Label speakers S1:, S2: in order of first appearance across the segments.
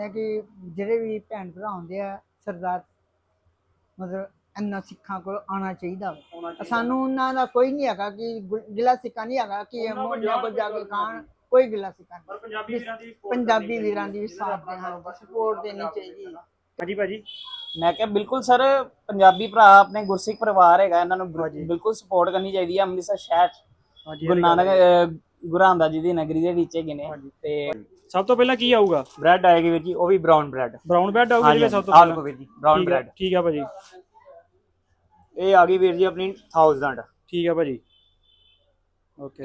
S1: है कि ਜਿਹੜੇ ਵੀ ਭੈਣ ਭਰਾ ਹੁੰਦੇ ਆ ਸਰਦਾਰ ਮਤਲਬ ਇੰਨਾ ਸਿੱਖਾਂ ਕੋਲ ਆਉਣਾ ਚਾਹੀਦਾ ਵਾ। ਸਾਨੂੰ ਉਹਨਾਂ ਦਾ ਕੋਈ ਨਹੀਂ ਹੈਗਾ ਕਿ ਗਿਲਾ ਸਿੱਕਾ ਨਹੀਂ ਹੈਗਾ ਕਿ ਇਹ ਮੋਢਿਆਂ ਕੋਲ ਜਾ ਕੇ ਖਾਣ, ਕੋਈ ਗਿਲਾ ਸਿੱਕਾ ਨਹੀਂ। ਪੰਜਾਬੀ ਵੀਰਾਂ ਦੀ ਵੀ ਸਾਥ ਦੇ ਹਨ, ਸਪੋਰਟ ਦੇਣੀ ਚਾਹੀਦੀ ਹੈ।
S2: ਹਾਂਜੀ ਭਾਜੀ,
S3: ਮੈਂ ਕਿਹਾ ਬਿਲकुल ਸਰ, ਪੰਜਾਬੀ ਭਰਾ ਆਪਣੇ ਗੁਰਸਿੱਖ ਪਰਿਵਾਰ ਹੈਗਾ, ਇਹਨਾਂ ਨੂੰ ਬਿਲਕੁਲ ਸਪੋਰਟ ਕਰਨੀ ਚਾਹੀਦੀ ਹੈ। ਅੰਮ੍ਰਿਤਸਰ ਸ਼ਹਿਰ ਗੁਰੂ ਨਾਨਕ ਗੁਰੂ ਰਾਮਦਾਸ ਜੀ ਦੀ ਨਗਰੀ ਦੇ ਵਿੱਚ ਹੈਗੇ ਨੇ। ਤੇ
S2: ਸਭ ਤੋਂ ਪਹਿਲਾਂ ਕੀ ਆਊਗਾ?
S3: ਬ੍ਰੈਡ ਆਏਗੀ ਵੀਰ ਜੀ, ਉਹ ਵੀ ਬ੍ਰਾਊਨ ਬ੍ਰੈਡ।
S2: ਬ੍ਰਾਊਨ ਬ੍ਰੈਡ ਆਊਗਾ ਜੀ ਸਭ ਤੋਂ
S3: ਪਹਿਲਾਂ? ਵੀਰ ਜੀ ਬ੍ਰਾਊਨ ਬ੍ਰੈਡ
S2: ਠੀਕ ਆ ਭਾਜੀ।
S3: ਇਹ ਆ ਗਈ ਵੀਰ ਜੀ ਆਪਣੀ 1000।
S2: ਠੀਕ ਆ ਭਾਜੀ, ਓਕੇ।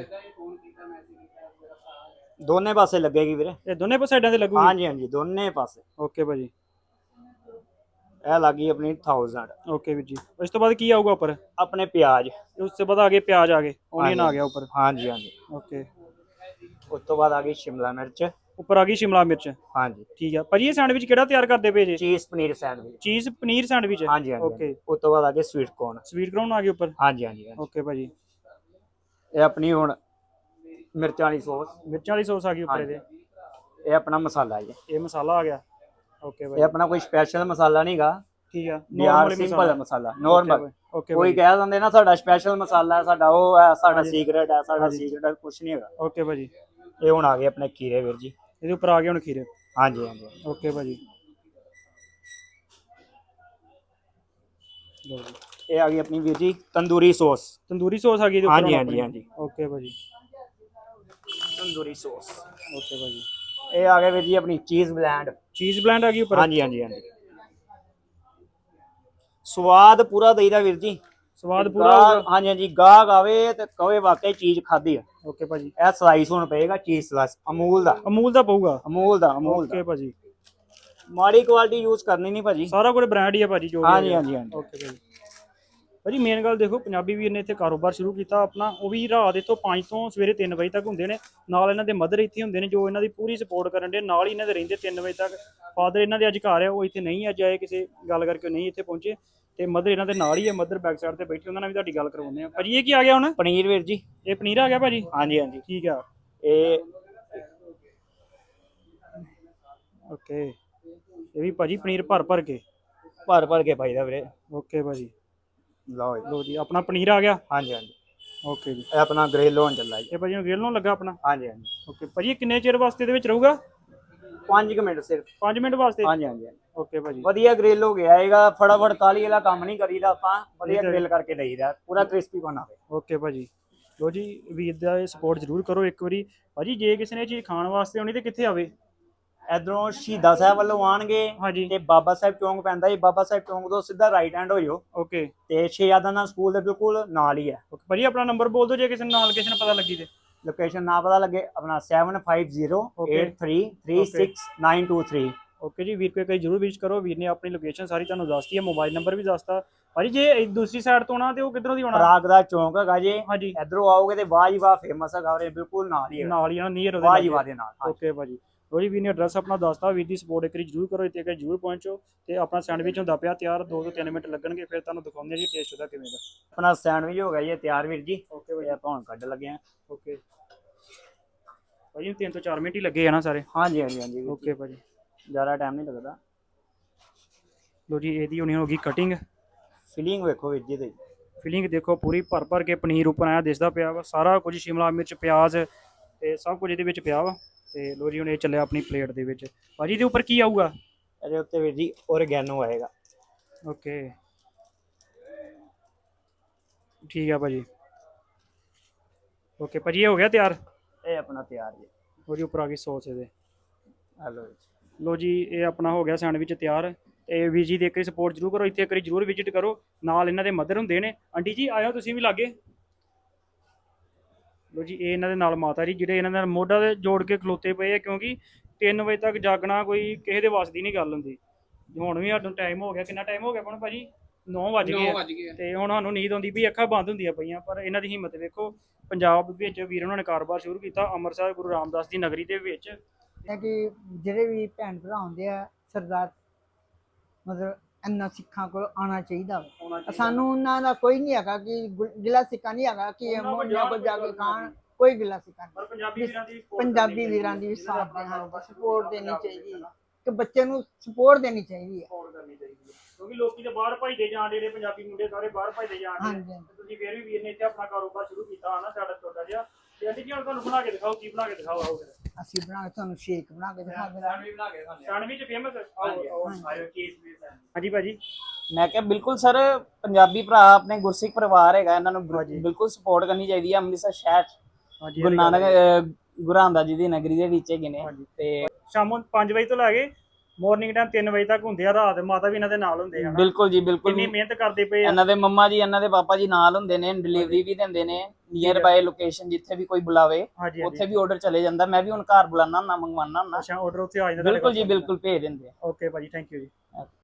S3: ਦੋਨੇ ਪਾਸੇ ਲੱਗੇਗੀ ਵੀਰੇ,
S2: ਇਹ ਦੋਨੇ ਸਾਈਡਾਂ ਤੇ ਲੱਗੂਗੀ?
S3: ਹਾਂਜੀ ਹਾਂਜੀ, ਦੋਨੇ ਪਾਸੇ।
S2: ਓਕੇ ਭਾਜੀ,
S3: ਇਹ ਲੱਗੀ ਆਪਣੀ 1000।
S2: ਓਕੇ ਵੀਰ ਜੀ। ਇਸ ਤੋਂ ਬਾਅਦ ਕੀ ਆਊਗਾ ਉੱਪਰ?
S3: ਆਪਣੇ ਪਿਆਜ਼।
S2: ਉਸ ਤੋਂ ਬਾਅਦ ਆ ਗਏ ਪਿਆਜ਼, ਆ ਗਏ ਓਨੀਅਨ ਆ ਗਿਆ ਉੱਪਰ।
S3: ਹਾਂਜੀ ਹਾਂਜੀ,
S2: ਓਕੇ।
S3: ਉਸ ਤੋਂ ਬਾਅਦ ਆ ਗਈ ਸ਼ਿਮਲਾ ਮਿਰਚ,
S2: ਉੱਪਰ ਆ ਗਈ ਸ਼ਿਮਲਾ ਮਿਰਚ।
S3: ਹਾਂਜੀ
S2: ਠੀਕ ਆ ਭਾਜੀ। ਇਹ ਸੈਂਡਵਿਚ ਕਿਹੜਾ ਤਿਆਰ ਕਰਦੇ ਪਏ ਜੇ?
S3: ਚੀਜ਼ ਪਨੀਰ ਸੈਂਡਵਿਚ।
S2: ਚੀਜ਼ ਪਨੀਰ ਸੈਂਡਵਿਚ?
S3: ਹਾਂਜੀ ਹਾਂਜੀ।
S2: ਓਕੇ।
S3: ਉਸ ਤੋਂ ਬਾਅਦ ਆ ਗਏ ਸਵੀਟ ਕੋਰਨ।
S2: ਸਵੀਟ ਕੋਰਨ ਆ ਗਏ ਉੱਪਰ?
S3: ਹਾਂਜੀ ਹਾਂਜੀ।
S2: ਓਕੇ ਭਾਜੀ।
S3: ਇਹ ਆਪਣੀ ਹੁਣ ਮਿਰਚਾਂ ਵਾਲੀ ਸੌਸ,
S2: ਮਿਰਚਾਂ ਵਾਲੀ ਸੌਸ ਆ ਗਈ ਉੱਪਰ ਇਹਦੇ।
S3: ਇਹ ਆਪਣਾ ਮਸਾਲਾ ਜੀ,
S2: ਇਹ ਮਸਾਲਾ ਆ ਗਿਆ। ਓਕੇ ਭਾਜੀ।
S3: ਇਹ ਆਪਣਾ ਕੋਈ ਸਪੈਸ਼ਲ ਮਸਾਲਾ ਨਹੀਂਗਾ,
S2: ਠੀਕ ਆ,
S3: ਯਾਰ ਸਿੰਪਲ ਮਸਾਲਾ, ਨੋਰਮਲ।
S2: ਓਕੇ
S3: ਕੋਈ ਕਹਿ ਦਿੰਦੇ ਨਾ ਸਾਡਾ ਸਪੈਸ਼ਲ ਮਸਾਲਾ ਹੈ, ਸਾਡਾ ਉਹ ਹੈ, ਸਾਡਾ ਸੀਕ੍ਰੇਟ ਹੈ, ਸਾਡਾ ਸੀਕ੍ਰੇਟ ਕੁਝ ਨਹੀਂ ਹੈਗਾ।
S2: ਓਕੇ ਭਾਜੀ।
S3: ਇਹ ਹੁਣ ਆ ਗਏ ਆਪਣੇ ਖੀਰੇ ਵੀਰ ਜੀ,
S2: ਇਹਦੇ ਉੱਪਰ ਆ ਗਏ ਹੁਣ ਖੀਰੇ।
S3: ਹਾਂਜੀ ਹਾਂਜੀ।
S2: ਓਕੇ ਭਾਜੀ।
S3: ਇਹ ਆ ਗਈ ਆਪਣੀ ਵੀਰ ਜੀ ਤੰਦੂਰੀ ਸੌਸ।
S2: ਤੰਦੂਰੀ ਸੌਸ ਆ ਗਈ ਇਹਦੇ ਉੱਪਰ?
S3: ਹਾਂਜੀ ਹਾਂਜੀ ਹਾਂਜੀ।
S2: ਓਕੇ ਭਾਜੀ,
S3: ਤੰਦੂਰੀ ਸੌਸ।
S2: ਓਕੇ ਭਾਜੀ।
S3: ਇਹ ਆ ਗਿਆ ਵੀਰ ਜੀ ਆਪਣੀ ਚੀਜ਼ ਬਲੈਂਡ।
S2: ਚੀਜ਼ ਬਲੈਂਡ ਆ ਗਈ ਉੱਪਰ?
S3: ਹਾਂਜੀ ਹਾਂਜੀ ਹਾਂਜੀ। ਸਵਾਦ ਪੂਰਾ ਦੇਈਦਾ ਵੀਰ ਜੀ,
S2: ਸਵਾਦ ਪੂਰਾ।
S3: ਹਾਂਜੀ ਹਾਂਜੀ, ਗਾਹਕ ਆਵੇ ਤੇ ਕਹੇ ਵਾਕਈ ਚੀਜ਼ ਖਾਧੀ ਆ।
S2: ਓਕੇ ਭਾਜੀ।
S3: ਇਹ ਸਲਾਈਸ ਹੁਣ ਪਏਗਾ ਚੀਜ਼ ਸਲਾਈਸ, ਅਮੂਲ ਦਾ।
S2: ਅਮੂਲ ਦਾ ਪਊਗਾ?
S3: ਅਮੂਲ ਦਾ, ਅਮੂਲ
S2: ਓਕੇ
S3: ਦਾ।
S2: ਭਾਜੀ।
S3: ਮਾੜੀ ਕੁਆਲਿਟੀ ਯੂਜ਼ ਕਰਨੀ ਨਹੀਂ ਭਾਜੀ,
S2: ਸਾਰਾ ਕੁਝ ਬ੍ਰਾਂਡ ਹੀ ਆ ਭਾਜੀ ਜੋ।
S3: ਹਾਂਜੀ ਹਾਂਜੀ ਹਾਂਜੀ।
S2: ਓਕੇ ਭਾਜੀ। ਭਾਜੀ ਮੇਨ ਗੱਲ ਦੇਖੋ, ਪੰਜਾਬੀ ਵੀਰ ਨੇ ਇੱਥੇ ਕਾਰੋਬਾਰ ਸ਼ੁਰੂ ਕੀਤਾ ਆਪਣਾ, ਉਹ ਵੀ ਰਾਤ ਇੱਥੋਂ 5 ਤੋਂ ਸਵੇਰੇ 3 ਵਜੇ ਤੱਕ ਹੁੰਦੇ ਨੇ। ਨਾਲ ਇਹਨਾਂ ਦੇ ਮਦਰ ਇੱਥੇ ਹੁੰਦੇ ਨੇ ਜੋ ਇਹਨਾਂ ਦੀ ਪੂਰੀ ਸਪੋਰਟ ਕਰਨ ਦੇ, ਨਾਲ ਹੀ ਇਹਨਾਂ ਦੇ ਰਹਿੰਦੇ 3 ਵਜੇ ਤੱਕ। ਫਾਦਰ ਇਹਨਾਂ ਦੇ ਅੱਜ ਘਰ ਆ, ਉਹ ਇੱਥੇ ਨਹੀਂ ਅੱਜ ਆਏ, ਕਿਸੇ ਗੱਲ ਕਰਕੇ ਨਹੀਂ ਇੱਥੇ ਪਹੁੰਚੇ। ਤੇ ਮਦਰ ਇਹਨਾਂ ਦੇ ਨਾਲ ਹੀ ਹੈ, ਮਦਰ ਬੈਕ ਸਾਈਡ ਤੇ ਬੈਠੀ, ਉਹਨਾਂ ਨਾਲ ਵੀ ਤੁਹਾਡੀ ਗੱਲ ਕਰਵਾਉਂਦੇ ਆ। ਭਾਜੀ ਇਹ ਕੀ ਆ ਗਿਆ ਹੁਣ?
S3: ਪਨੀਰ ਵੀਰ ਜੀ।
S2: ਇਹ ਪਨੀਰ ਆ ਗਿਆ ਭਾਜੀ?
S3: ਹਾਂਜੀ ਹਾਂਜੀ,
S2: ਠੀਕ ਆ।
S3: ਇਹ
S2: ਓਕੇ। ਇਹ ਵੀ ਭਾਜੀ ਪਨੀਰ ਭਰ ਭਰ ਕੇ
S3: ਭਰ ਕੇ ਪਾਈਦਾ ਵੀਰੇ।
S2: ਓਕੇ ਭਾਜੀ।
S3: ਲਓ ਜੀ,
S2: ਲੋ ਜੀ, ਆਪਣਾ ਪਨੀਰ ਆ ਗਿਆ।
S3: ਹਾਂਜੀ ਹਾਂਜੀ।
S2: ਓਕੇ ਜੀ।
S3: ਇਹ ਆਪਣਾ ਗ੍ਰਿਲ ਹੋਣ ਚੱਲਾ ਜੀ।
S2: ਇਹ ਭਾਜੀ ਨੂੰ ਗ੍ਰਿਲ ਨੂੰ ਲੱਗਾ ਆਪਣਾ?
S3: ਹਾਂਜੀ ਹਾਂਜੀ।
S2: ਓਕੇ ਭਾਜੀ। ਇਹ ਕਿੰਨੇ ਚਿਰ ਵਾਸਤੇ ਦੇ ਵਿੱਚ ਰਹੂਗਾ?
S3: 5 ਮਿੰਟ ਸਿਰਫ।
S2: 5 ਮਿੰਟ ਵਾਸਤੇ?
S3: ਹਾਂਜੀ ਹਾਂਜੀ।
S2: ਓਕੇ ਭਾਜੀ।
S3: ਵਧੀਆ ਗ੍ਰਿਲ ਹੋ ਗਿਆ ਹੈਗਾ, ਫਟਾਫਟ ਕਾਲੀ ਵਾਲਾ ਕੰਮ ਨਹੀਂ ਕਰੀਦਾ ਆਪਾਂ, ਵਧੀਆ ਗ੍ਰਿਲ ਕਰਕੇ ਦੇਈਦਾ, ਪੂਰਾ ਕ੍ਰਿਸਪੀ ਬਣਾਵੇ।
S2: ਓਕੇ ਭਾਜੀ। ਲੋ ਜੀ, ਵੀਰ ਦਾ ਸਪੋਰਟ ਜ਼ਰੂਰ ਕਰੋ ਇੱਕ ਵਾਰੀ ਭਾਜੀ। ਜੇ ਕਿਸੇ ਨੇ ਚੀਜ਼ ਖਾਣ ਵਾਸਤੇ ਆਉਣੀ ਤੇ ਕਿੱਥੇ ਆਵੇ?
S3: ਇਧਰੋਂ ਸ਼ਹੀਦਾਂ ਸਾਹਿਬ ਵੱਲੋਂ ਆਣਗੇ
S2: ਹਾਂਜੀ।
S3: ਤੇ ਬਾਬਾ ਸਾਹਿਬ ਚੌਂਕ ਪੈਂਦਾ ਜੀ, ਬਾਬਾ ਸਾਹਿਬ ਚੌਂਕ ਤੋਂ ਸਿੱਧਾ ਰਾਈਟ ਹੈਂਡ ਹੋ ਜਾਓ
S2: ਓਕੇ।
S3: ਤੇ ਸ਼ਹਿਜ਼ਾਦਾਨਾ ਸਕੂਲ ਦੇ ਬਿਲਕੁਲ ਨਾਲ ਹੀ ਹੈ।
S2: ਓਕੇ ਭਾਜੀ। ਆਪਣਾ ਨੰਬਰ ਬੋਲ ਦਿਓ ਜੇ ਕਿਸੇ ਨਾਲ ਕਿਸੇ ਨੂੰ ਪਤਾ ਲੱਗੀ ਤੇ।
S3: ਲੋਕੇਸ਼ਨ ਨਾ ਪਤਾ ਲੱਗੇ, ਆਪਣਾ 7508336923।
S2: ਓਕੇ ਜੀ। ਵੀਰ ਕੋਈ ਜ਼ਰੂਰ ਵਿਜ਼ਿਟ ਕਰੋ, ਵੀਰ ਨੇ ਆਪਣੀ ਲੋਕੇਸ਼ਨ ਸਾਰੀ ਤੁਹਾਨੂੰ ਦੱਸਤੀ ਹੈ, ਮੋਬਾਈਲ ਨੰਬਰ ਵੀ ਦੱਸਤਾ ਭਾਜੀ। ਜੇ ਦੂਸਰੀ ਸਾਈਡ ਤੋਂ ਆਉਣਾ ਤੇ ਉਹ ਕਿੱਧਰੋਂ ਦੀ ਆਉਣਾ?
S3: ਰਾਗ ਦਾ ਚੌਂਕ ਹੈਗਾ ਜੀ,
S2: ਹਾਂਜੀ।
S3: ਇਧਰੋਂ ਆਓਗੇ ਤੇ ਵਾਹ ਜੀ ਵਾਹ ਫੇਮਸ ਹੈਗਾ, ਉਹਦੇ ਬਿਲਕੁਲ ਨਾਲ ਹੀ ਹੈ,
S2: ਨਾਲ ਹੀ ਨੀਅਰ
S3: ਵਾਹ ਜੀ ਵਾਹ ਦੇ ਨਾਲ।
S2: ਓਕੇ ਭਾਜੀ। ਲੋ ਜੀ, ਵੀਰ ਨੇ ਐਡਰੈਸ ਆਪਣਾ ਦੱਸਤਾ। ਵੀਰ ਦੀ ਸਪੋਰਟ ਇੱਕ ਵਾਰੀ ਜ਼ਰੂਰ ਕਰੋ, ਇੱਥੇ ਜ਼ਰੂਰ ਪਹੁੰਚੋ। ਤੇ ਆਪਣਾ ਸੈਂਡਵਿਚ ਹੁੰਦਾ ਪਿਆ ਤਿਆਰ, 2 ਤੋਂ 3 ਮਿੰਟ ਲੱਗਣਗੇ, ਫਿਰ ਤੁਹਾਨੂੰ ਦਿਖਾਉਂਦੇ ਆ ਜੀ ਟੇਸਟ ਉਹਦਾ ਕਿਵੇਂ ਦਾ।
S3: ਆਪਣਾ ਸੈਂਡਵਿਚ ਹੋ ਗਿਆ ਜੀ ਤਿਆਰ ਵੀਰ ਜੀ। ਓਕੇ ਭਾਈ, ਆਪਾਂ ਹੁਣ ਕੱਢ ਲੱਗੇ ਆ।
S2: ਓਕੇ ਭਾਜੀ। 3 ਤੋਂ 4 ਮਿੰਟ ਹੀ ਲੱਗੇ ਆ ਨਾ ਸਾਰੇ?
S3: ਹਾਂਜੀ ਹਾਂਜੀ ਹਾਂਜੀ।
S2: ਓਕੇ ਭਾਜੀ,
S3: ਜ਼ਿਆਦਾ ਟਾਈਮ ਨਹੀਂ ਲੱਗਦਾ।
S2: ਲੋ ਜੀ, ਇਹਦੀ ਹੋਣੀ ਹੋ ਗਈ ਕਟਿੰਗ।
S3: ਫਿਲਿੰਗ ਵੇਖੋ ਵੀਰ ਜੀ, ਤੇ
S2: ਫਿਲਿੰਗ ਦੇਖੋ ਪੂਰੀ ਭਰ ਭਰ ਕੇ ਪਨੀਰ ਉੱਪਰ ਆਇਆ ਦਿਸਦਾ ਪਿਆ ਵਾ, ਸਾਰਾ ਕੁਝ ਸ਼ਿਮਲਾ ਮਿਰਚ ਪਿਆਜ਼ ਤੇ ਸਭ ਕੁਝ ਇਹਦੇ ਵਿੱਚ ਪਿਆ ਵਾ। ਤੇ ਲੋ ਜੀ, ਹੁਣ ਇਹ ਚੱਲਿਆ ਆਪਣੀ ਪਲੇਟ ਦੇ ਵਿੱਚ। ਭਾਜੀ ਇਹਦੇ ਉੱਪਰ ਕੀ ਆਊਗਾ?
S3: ਇਹਦੇ ਉੱਤੇ ਵੀਰ ਜੀ ਓਰਗੈਨੋ ਆਏਗਾ।
S2: ਓਕੇ ਠੀਕ ਆ ਭਾਜੀ। ਓਕੇ ਭਾਜੀ, ਇਹ ਹੋ ਗਿਆ ਤਿਆਰ?
S3: ਇਹ ਆਪਣਾ ਤਿਆਰ ਜੀ।
S2: ਲੋ ਜੀ, ਉੱਪਰ ਆ ਗਈ ਸੌਸ ਇਹਦੇ।
S3: ਹਲੋ
S2: ਲੋ ਜੀ, ਇਹ ਆਪਣਾ ਹੋ ਗਿਆ ਸੈਂਡਵਿਚ ਤਿਆਰ। ਤੇ ਵੀਰ ਜੀ ਦੀ ਇੱਕ ਵਾਰੀ ਸਪੋਰਟ ਜ਼ਰੂਰ ਕਰੋ, ਇੱਥੇ ਇੱਕ ਵਾਰੀ ਜ਼ਰੂਰ ਵਿਜ਼ਿਟ ਕਰੋ। ਨਾਲ ਇਹਨਾਂ ਦੇ ਮਦਰ ਹੁੰਦੇ ਨੇ। ਆਂਟੀ ਜੀ ਆਇਓ ਤੁਸੀਂ ਵੀ ਲਾਗੇ। ਲੋ ਜੀ, ਇਹ ਇਹਨਾਂ ਦੇ ਨਾਲ ਮਾਤਾ ਜੀ, ਜਿਹੜੇ ਇਹਨਾਂ ਨਾਲ ਮੋਢਾ ਦੇ ਜੋੜ ਕੇ ਖਲੋਤੇ ਪਏ ਆ, ਕਿਉਂਕਿ 3 ਵਜੇ ਤੱਕ ਜਾਗਣਾ ਕੋਈ ਕਿਸੇ ਦੇ ਵੱਸ ਦੀ ਨਹੀਂ ਗੱਲ ਹੁੰਦੀ। ਹੁਣ ਵੀ ਸਾਨੂੰ ਟਾਈਮ ਹੋ ਗਿਆ, ਕਿੰਨਾ ਟਾਈਮ ਹੋ ਗਿਆ ਹੁਣ ਭਾਜੀ? 9 ਵਜ ਗਏ ਤੇ ਹੁਣ ਸਾਨੂੰ ਨੀਂਦ ਆਉਂਦੀ ਵੀ, ਅੱਖਾਂ ਬੰਦ ਹੁੰਦੀਆਂ ਪਈਆਂ। ਪਰ ਇਹਨਾਂ ਦੀ ਹਿੰਮਤ ਵੇਖੋ, ਪੰਜਾਬ ਵਿੱਚ ਵੀਰ ਉਹਨਾਂ ਨੇ ਕਾਰੋਬਾਰ ਸ਼ੁਰੂ ਕੀਤਾ ਅੰਮ੍ਰਿਤਸਰ ਗੁਰੂ ਰਾਮਦਾਸ ਦੀ ਨਗਰੀ ਦੇ ਵਿੱਚ।
S1: ਹੈ ਕਿ ਜਿਹੜੇ ਵੀ ਭੈਣ ਭਰਾ ਹੁੰਦੇ ਆ ਸਰਦਾਰ ਮਤਲਬ ਇੰਨਾ ਸਿੱਖਾਂ ਕੋਲ ਆਉਣਾ ਚਾਹੀਦਾ ਵਾ। ਸਾਨੂੰ ਉਹਨਾਂ ਦਾ ਕੋਈ ਨਹੀਂ ਹੈਗਾ ਕਿ ਗਿਲਾ ਸਿੱਕਾ ਨਹੀਂ ਹੈਗਾ ਕਿ ਇਹ ਮੋਢਿਆਂ ਕੋਲ ਜਾ ਕੇ ਖਾਣ, ਕੋਈ ਗਿਲਾ ਸਿੱਕਾ ਨਹੀਂ। ਪੰਜਾਬੀ ਵੀਰਾਂ ਦੀ ਵੀ ਸਾਥ ਦੇ ਹਨ, ਸਪੋਰਟ ਦੇਣੀ ਚਾਹੀਦੀ ਹੈ। ਇੱਕ ਬੱਚੇ ਨੂੰ ਸਪੋਰਟ ਦੇਣੀ ਚਾਹੀਦੀ ਹੈ।
S2: ਸਪੋਰਟ ਕਰਨੀ ਚਾਹੀਦੀ ਹੈ ਕਿਉਂਕਿ ਲੋਕੀ ਤੇ ਬਾਹਰ ਭਜਦੇ ਜਾਣ ਜਿਹੜੇ ਪੰਜਾਬੀ ਮੁੰਡੇ ਸਾਰੇ ਬਾਹਰ ਭਜਦੇ ਜਾਣ
S1: ਹਾਂਜੀ,
S2: ਡੇ
S1: ਹਾਂਜੀ।
S2: ਤੁਸੀਂ ਫੇਰ ਵੀ ਵੀਰ ਨੇ ਇੱਥੇ ਆਪਣਾ ਕਾਰੋਬਾਰ ਸ਼ੁਰੂ ਕੀਤਾ ਹਨਾ ਸਾਡਾ ਛੋਟਾ ਜਿਹਾ ਤੇ ਆਂਟੀ ਜੀ ਹੁਣ ਤੁਹਾਨੂੰ ਬਣਾ ਕੇ ਦਿਖਾਓ ਕੀ ਬਣਾ ਕੇ ਦਿਖਾਓ ਆਓ ਫਿਰ
S1: ਅਸੀਂ ਬਣਾ ਕੇ ਤੁਹਾਨੂੰ ਸ਼ੇਕ ਬਣਾ ਕੇ ਦਿਖਾ ਦੇਣਾ।
S2: ਸੈਂਡਵਿਚ ਫੇਮਸ ਆਇਓ ਕੇਸ ਵੀ ਹਾਂਜੀ ਭਾਜੀ
S3: ਮੈਂ ਕਿਹਾ ਬਿਲਕੁਲ ਸਰ, ਪੰਜਾਬੀ ਭਰਾ ਆਪਣੇ ਗੁਰਸਿੱਖ ਪਰਿਵਾਰ ਹੈਗਾ, ਇਹਨਾਂ ਨੂੰ ਬਿਲਕੁਲ ਸਪੋਰਟ ਕਰਨੀ ਚਾਹੀਦੀ ਹੈ। ਅੰਮ੍ਰਿਤਸਰ ਸ਼ਹਿਰ
S2: ਹਾਂਜੀ
S3: ਗੁਰੂ ਨਾਨਕ ਗੁਰੂ ਰਾਮਦਾਸ ਜੀ ਦੀ ਨਗਰੀ ਦੇ ਵਿੱਚ ਹੈਗੇ ਨੇ ਤੇ
S2: ਸ਼ਾਮੋਂ 5 ਵਜੇ ਤੋਂ ਲੈ ਕੇ ਮਾਰਨਿੰਗ ਟਾਈਮ 3 ਵਜੇ ਤੱਕ ਹੁੰਦੇ ਆ ਰਾਤ ਮਾਤਾ ਵੀ ਇਹਨਾਂ ਦੇ ਨਾਲ ਹੁੰਦੇ ਆ ਹਨਾ।
S3: ਬਿਲਕੁਲ ਜੀ ਬਿਲਕੁਲ
S2: ਕਿੰਨੀ ਮਿਹਨਤ ਕਰਦੇ ਪਏ ਆ
S3: ਇਹਨਾਂ ਦੇ ਮੰਮਾ ਜੀ ਇਹਨਾਂ ਦੇ ਪਾਪਾ ਜੀ ਨਾਲ ਹੁੰਦੇ ਨੇ, ਡਿਲੀਵਰੀ ਵੀ ਦਿੰਦੇ ਨੇ ਨੀਅਰ ਬਾਏ ਲੋਕੇਸ਼ਨ ਜਿੱਥੇ ਵੀ ਕੋਈ ਬੁਲਾਵੇ
S2: ਹਾਂਜੀ
S3: ਉੱਥੇ ਵੀ ਆਰਡਰ ਚਲੇ ਜਾਂਦਾ। ਮੈਂ ਵੀ ਹੁਣ ਘਰ ਬੁਲਾਣਾ ਹੁੰਦਾ, ਮੰਗਵਾਉਣਾ ਹੁੰਦਾ।
S2: ਅੱਛਾ ਆਰਡਰ ਉੱਥੇ ਆ ਜਾਂਦਾ
S3: ਬਿਲਕੁਲ ਜੀ ਬਿਲਕੁਲ ਭੇਜ ਦਿੰਦੇ ਆ।
S2: ਓਕੇ ਭਾਜੀ ਥੈਂਕ ਯੂ ਜੀ